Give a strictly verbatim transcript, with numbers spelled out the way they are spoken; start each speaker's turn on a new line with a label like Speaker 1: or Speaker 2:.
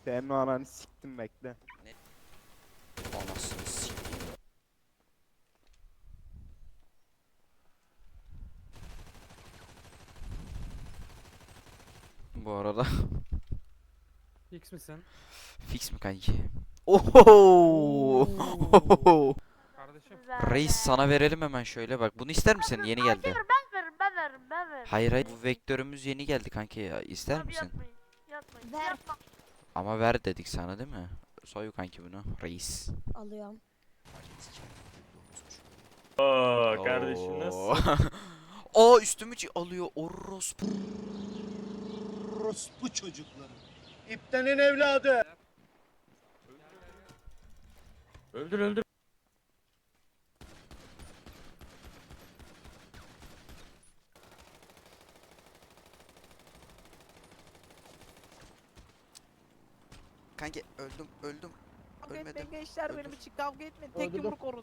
Speaker 1: Senin o ananı siktim bekle.
Speaker 2: Anasını sikeyim. Bu arada
Speaker 3: X misin?
Speaker 2: fix mi kanki? Oho!
Speaker 3: Kardeşim.
Speaker 2: Reis sana verelim hemen şöyle bak. Bunu ister misin? Yeni geldi.
Speaker 4: Ben veririm, ben veririm, ben veririm.
Speaker 2: Hayır hayır bu vektörümüz yeni geldi kanki ya. İster
Speaker 4: Abi
Speaker 2: misin?
Speaker 4: Yapmayın, yapmayın.
Speaker 5: Ver.
Speaker 4: Yapma.
Speaker 2: Ama ver dedik sana değil mi? Soy kanki bunu. Reis.
Speaker 5: Alıyorum.
Speaker 6: Oo kardeşim nasıl?
Speaker 2: Aa üstümü çi- alıyor orospu.
Speaker 7: Orospu çocukları. İptenin evladı.
Speaker 6: Öldür öldür.
Speaker 2: Kanki öldüm öldüm.
Speaker 8: Kavga
Speaker 2: Ölmedim.
Speaker 8: etmeyin gençler
Speaker 2: Öldür.
Speaker 8: benim için kavga etmeyin. Tek
Speaker 6: Öldürdüm.
Speaker 8: yumruk orun.